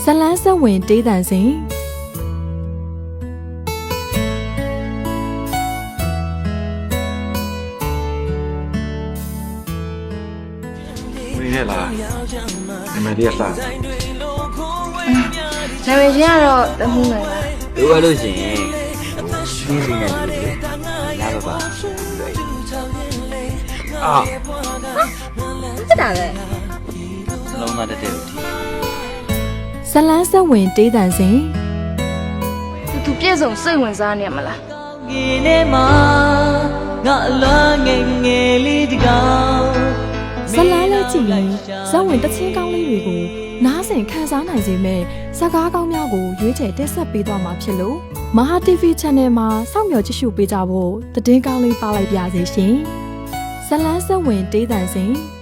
လန်းဆက်ဝင်တေးတန်စဉ်ဝင်ရလားနာမည်လေးကစားနာမည်ချင်းကတော့တမှုနိုင်ပါလိုအပ်လို့ရှိရင်စီးစီးနဲ့တူတယ်ရပါပါအာဖြစ်တာလေလုံးမတက်တဲ့ဦးဒီဇလန်းဆက်ဝင်တေးတန်စဉ်သူပြည့်စုံစိတ်ဝင်စားနေရမလားငေနဲ့မှာငါအလားငယ်ငယ်လေးတကောင်ဇလန်းလေးကြည့်ရင်ဇက်ဝင်တချင်းကောင်းလေးတွေကိုနားဆင်ခန်းစားနိုင်စေမဲ့ဇာကားကောင်းများကိုရွေးချယ်တက်ဆက်ပေးသွားမှာဖြစ်လို့မဟာ TV Channel မှာစောင့်မျှော်ကြည့်ရှုပေးကြဖို့သတင်းကောင်းလေးပါလိုက်ပါစေရှင်ဇလန်းဆက်ဝင်တေးတန်စဉ်